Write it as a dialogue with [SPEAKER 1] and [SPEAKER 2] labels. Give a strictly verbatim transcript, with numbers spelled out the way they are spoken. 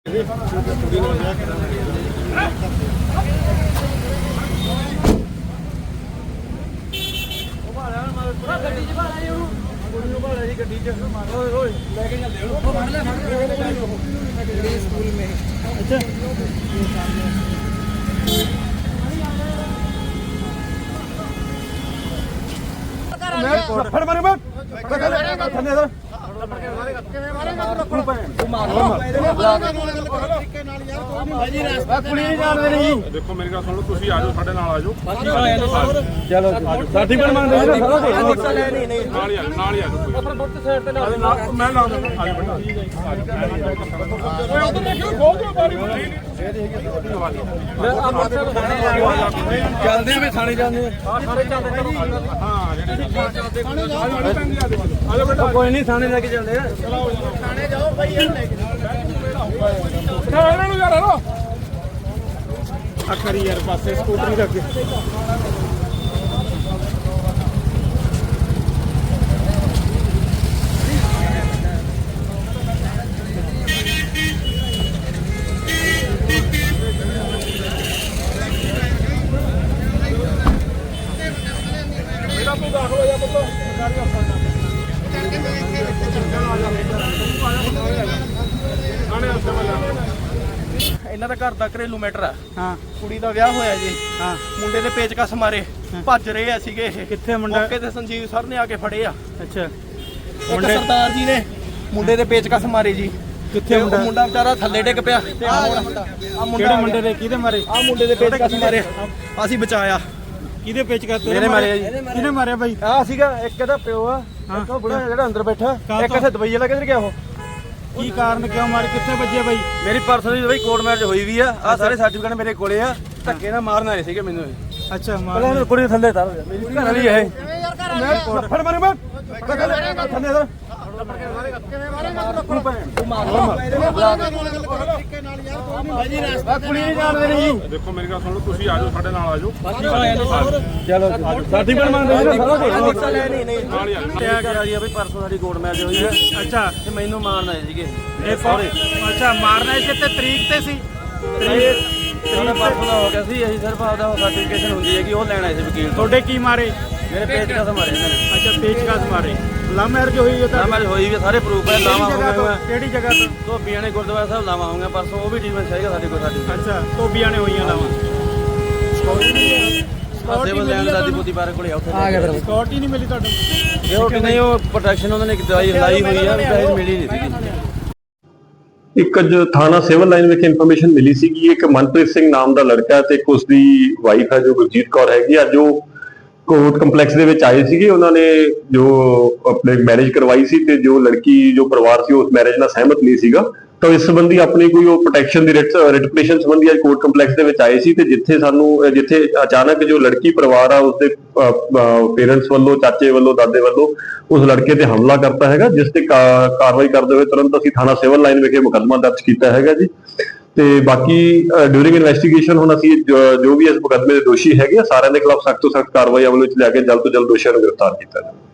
[SPEAKER 1] फड़ मारे मत
[SPEAKER 2] देखो मेरी गल सुन लो, तुसीं आ जाओ, साडे नाल आ जाओ।
[SPEAKER 1] चलो सर्टिफिकेट मांगदे ने सारा कुछ
[SPEAKER 2] नाल ही आ जाओ, नाल ही आ जाओ। अपना बुੱਤ साइड ते ला मैं ला दूंगा। आ जाओ बेटा, ओए उधर देखियो, खोल दो बारी बारी।
[SPEAKER 1] चलदे वे थाने जांदे
[SPEAKER 2] हां सारे चलदे चलो। हां जेडे चलदे थाने जाओ, आ जाओ बेटा,
[SPEAKER 1] कोई नहीं थाने लेके चलदे
[SPEAKER 2] चलो थाने जाओ भाई, यार लेके जाओ ਇਹਨਾਂ ਨੂੰ ਯਾਰ। ਹਲੋ ਆ ਕਰੀ ਯਾਰ ਪਾਸੇ ਸਕੂਟਰੀ ਦੇ ਅੱਗੇ। ਮੇਰਾ ਤੂੰ ਦਾਖਲ ਹੋ ਜਾ ਪੁੱਤ, ਸਰਕਾਰੀ ਹਸਪਤਾਲ
[SPEAKER 3] ਇਹਨਾਂ ਦਾ ਘਰ ਦਾ ਘਰੇਲੂ ਮੈਟਰ ਆ।
[SPEAKER 1] ਹਾਂ
[SPEAKER 3] ਕੁੜੀ ਦਾ ਵਿਆਹ ਹੋਇਆ ਜੀ।
[SPEAKER 1] ਹਾਂ
[SPEAKER 3] ਮੁੰਡੇ ਦੇ ਪੇਚਕਸ ਮਾਰੇ ਭੱਜ ਰਹੇ ਆ ਸੀਗੇ ਇਹ।
[SPEAKER 1] ਕਿੱਥੇ ਮੁੰਡਾ?
[SPEAKER 3] ਮੌਕੇ ਤੇ ਸੰਜੀਵ ਸਰ ਨੇ ਆ ਕੇ ਫੜੇ ਆ।
[SPEAKER 1] ਅੱਛਾ
[SPEAKER 3] ਇੱਕ
[SPEAKER 1] ਮੁੰਡੇ
[SPEAKER 3] ਸਰਦਾਰ ਜੀ ਨੇ ਮੁੰਡੇ ਦੇ ਪੇਚਕਸ ਮਾਰੇ ਜੀ।
[SPEAKER 1] ਕਿੱਥੇ
[SPEAKER 3] ਤੇ ਉਹ
[SPEAKER 1] ਮੁੰਡਾ?
[SPEAKER 3] ਮੁੰਡਾ ਵਿਚਾਰਾ ਥੱਲੇ ਡਿੱਗ ਪਿਆ ਤੇ ਆ ਮੁੰਡਾ ਆ ਮੁੰਡਾ
[SPEAKER 1] ਕਿਹੜੇ ਮੁੰਡੇ ਦੇ ਕਿਹਦੇ ਮਾਰੇ?
[SPEAKER 3] ਆ ਮੁੰਡੇ ਦੇ ਪੇਚਕਸ ਮਾਰੇ, ਅਸੀਂ ਬਚਾਇਆ।
[SPEAKER 1] ਕਿਹਦੇ ਪੇਚ ਕਰਤੇ?
[SPEAKER 3] ਮੇਰੇ ਮਾਰੇ ਆ ਜੀ।
[SPEAKER 1] ਕਿਹਨੇ ਮਾਰਿਆ ਬਾਈ?
[SPEAKER 3] ਆ ਸੀਗਾ ਇੱਕ ਇਹਦਾ ਪਿਓ ਆ, ਇੱਕ ਉਹ ਬੁੜਾ ਜਿਹੜਾ ਅੰਦਰ ਬੈਠਾ, ਇੱਕ ਇੱਥੇ ਦਵਾਈ ਵਾਲਾ ਕਿੱਧਰ ਗਿਆ ਉਹ?
[SPEAKER 1] ਕੀ ਕਾਰਨ ਕਿਉਂ ਮਾਰੇ? ਕਿੱਥੇ ਵੱਜੇ ਬਾਈ?
[SPEAKER 3] ਮੇਰੀ ਪਰਸਨਲੀ ਬਈ ਕੋਰਟ ਮੈਰਿਜ ਹੋਈ ਵੀ ਆ। ਆ ਸਾਰੇ ਸਰਟੀਫਿਕੇਟ ਮੇਰੇ ਕੋਲੇ ਆ। ਧੱਕੇ ਨਾਲ ਮਾਰਨ ਆਏ ਸੀਗੇ ਮੈਨੂੰ।
[SPEAKER 1] ਅੱਛਾ
[SPEAKER 3] ਪਹਿਲਾਂ
[SPEAKER 1] ਮਾਰ
[SPEAKER 3] ਕੁੜੀ ਥੱਲੇ ਤਾਰ ਮੇਰੀ ਘਰ ਵਾਲੀ ਇਹ।
[SPEAKER 1] ਮੈਂ ਫੜ ਮਾਰੇ ਮਤ
[SPEAKER 3] ਥੱਲੇ ਤਾਰ
[SPEAKER 2] ਦੇਖੋ ਮੇਰੀ ਗੱਲ ਸੁਣ ਲਓ, ਤੁਸੀਂ ਆ ਜਾਓ, ਸਾਡੇ ਨਾਲ ਆ ਜਾਓ।
[SPEAKER 1] ਚਲੋ ਸਰਟੀਫਿਕੇਟ ਮੰਗਦੇ ਨੇ ਸਾਰਾ ਕੁਝ
[SPEAKER 2] ਨਾਲ ਹੀ ਆ ਜਾਓ।
[SPEAKER 3] ਕਿਹਾ ਗਿਆ ਜੀ ਬਈ ਪਰਸੋਂ ਸਾਡੀ ਕੋਰਟ ਮੈਰਿਜ ਹੋਈ ਹੈ
[SPEAKER 1] ਅੱਛਾ
[SPEAKER 3] ਤੇ ਮੈਨੂੰ ਮਾਰਨ ਆਏ ਸੀਗੇ
[SPEAKER 1] ਇਹ
[SPEAKER 3] ਸੌਰੀ।
[SPEAKER 1] ਅੱਛਾ ਮਾਰਨਾ ਇਸੇ ਤੇ ਤਰੀਕ ਤੇ ਸੀ?
[SPEAKER 3] ਉਹਨੇ ਪਰਸੋਂ ਦਾ ਹੋ ਗਿਆ ਸੀ। ਅਸੀਂ ਸਿਰਫ ਆਪਦਾ ਸਰਟੀਫਿਕੇਸ਼ਨ ਹੁੰਦੀ ਹੈ ਕਿ ਉਹ ਲੈਣ ਆਏ ਸੀ ਵਕੀਲ ਤੋਂ।
[SPEAKER 1] ਤੁਹਾਡੇ ਕੀ ਮਾਰੇ?
[SPEAKER 3] ਮੇਰੇ ਪੇਜ ਕਸ ਮਾਰੇ ਇਹਨਾਂ ਨੇ।
[SPEAKER 1] ਅੱਛਾ ਪੇਚਕਸ ਮਾਰੇ। ਲਵ ਮੈਰਿਜ ਹੋਈ ਹੈ ਤਾਂ?
[SPEAKER 3] ਨਾ ਮੈਰਿਜ ਹੋਈ ਵੀ ਆ, ਸਾਰੇ ਪ੍ਰੂਫ ਹੈ। ਲਾਵਾ ਹੋ
[SPEAKER 1] ਜਗ੍ਹਾ ਤੋਂ?
[SPEAKER 3] ਗਿਆ
[SPEAKER 1] ਕਿਹੜੀ ਜਗ੍ਹਾ ਤੋਂ?
[SPEAKER 3] ਧੋਬੀਆਂ ਨੇ ਗੁਰਦੁਆਰਾ ਸਾਹਿਬ ਲਾਵਾ ਹੋਊਗਾ ਪਰਸੋਂ। ਉਹ ਵੀ ਟ੍ਰੀਟਮੈਂਟ ਚਾਹੀਦਾ ਸਾਡੇ ਕੋਲ। ਸਾਡੀ
[SPEAKER 1] ਅੱਛਾ ਧੋਬੀਆਂ ਨੇ ਹੋਈਆਂ ਲਾਵਾਂ।
[SPEAKER 3] ਸਿਵਲ ਲੈਣ ਦਾਦੀ ਪੋਤੀ ਬਾਰੇ ਕੋਲੇ ਆ ਉੱਥੇ ਆ ਗਿਆ। ਫਿਰ
[SPEAKER 1] ਸਕਿਉਰਟੀ ਨਹੀਂ ਮਿਲੀ ਤੁਹਾਨੂੰ?
[SPEAKER 3] ਜੇ ਉਹ ਕਿ ਨਹੀਂ, ਉਹ ਪ੍ਰੋਟੈਕਸ਼ਨ ਉਹਨਾਂ ਨੇ ਦਵਾਈ ਲਾਈ ਹੋਈ ਆ, ਪੈਸੇ ਮਿਲੀ ਨਹੀਂ ਸੀਗੀ।
[SPEAKER 4] ਇੱਕ ਅੱਜ ਥਾਣਾ ਸਿਵਲ ਲਾਈਨ ਵਿਖੇ ਇਨਫੋਰਮੇਸ਼ਨ ਮਿਲੀ ਸੀ ਕਿ ਇੱਕ ਮਨਪ੍ਰੀਤ ਸਿੰਘ ਨਾਮ ਦਾ ਲੜਕਾ ਹੈ ਤੇ ਇੱਕ ਉਸਦੀ ਵਾਈਫ ਹੈ ਜੋ ਗੁਰਜੀਤ ਕੌਰ ਹੈਗੀ। ਅੱਜ ਉਹ ਕੋਰਟ ਕੰਪਲੈਕਸ ਦੇ ਵਿੱਚ ਆਏ ਸੀਗੇ। ਉਹਨਾਂ ਨੇ ਜੋ ਆਪਣੇ ਮੈਰਿਜ ਕਰਵਾਈ ਸੀ ਤੇ ਜੋ ਲੜਕੀ ਜੋ ਪਰਿਵਾਰ ਸੀ ਉਸ ਮੈਰਿਜ ਨਾਲ ਸਹਿਮਤ ਨਹੀਂ ਸੀਗਾ, ਤਾਂ ਇਸ ਸੰਬੰਧੀ ਆਪਣੀ ਕੋਈ ਉਹ ਪ੍ਰੋਟੈਕਸ਼ਨ ਦੀ ਰਿਟ ਰਿਟਪਟੇਸ਼ਨ ਸੰਬੰਧੀ ਅੱਜ ਕੋਰਟ ਕੰਪਲੈਕਸ ਦੇ ਵਿੱਚ ਆਏ ਸੀ। ਤੇ ਜਿੱਥੇ ਸਾਨੂੰ ਜਿੱਥੇ ਅਚਾਨਕ ਜੋ ਲੜਕੀ ਪਰਿਵਾਰ ਆ ਉਸਦੇ ਪੇਰੈਂਟਸ ਵੱਲੋਂ, ਚਾਚੇ ਵੱਲੋਂ, ਦਾਦੇ ਵੱਲੋਂ ਉਸ ਲੜਕੇ ਤੇ ਹਮਲਾ ਕਰਤਾ ਹੈਗਾ, ਜਿਸ ਤੇ ਕਾਰਵਾਈ ਕਰਦੇ ਹੋਏ ਤੁਰੰਤ ਅਸੀਂ ਥਾਣਾ ਸਿਵਲ ਲਾਈਨ ਵਿਖੇ ਮੁਕੱਦਮਾ ਦਰਜ ਕੀਤਾ ਹੈਗਾ ਜੀ। ਤੇ ਬਾਕੀ ਡਿਊਰਿੰਗ ਇਨਵੈਸਟੀਗੇਸ਼ਨ ਹੁਣ ਅਸੀਂ ਜੋ ਵੀ ਇਸ ਮੁਕੱਦਮੇ ਦੇ ਦੋਸ਼ੀ ਹੈਗੇ ਸਾਰਿਆਂ ਦੇ ਖਿਲਾਫ ਸਖਤ ਤੋਂ ਸਖਤ ਕਾਰਵਾਈ ਅਮਲ ਵਿੱਚ ਲਿਆ ਕੇ ਜਲਦ ਤੋਂ ਜਲਦ ਦੋਸ਼ੀਆਂ ਨੂੰ ਗ੍ਰਿਫਤਾਰ ਕੀਤਾ ਜਾਵੇ।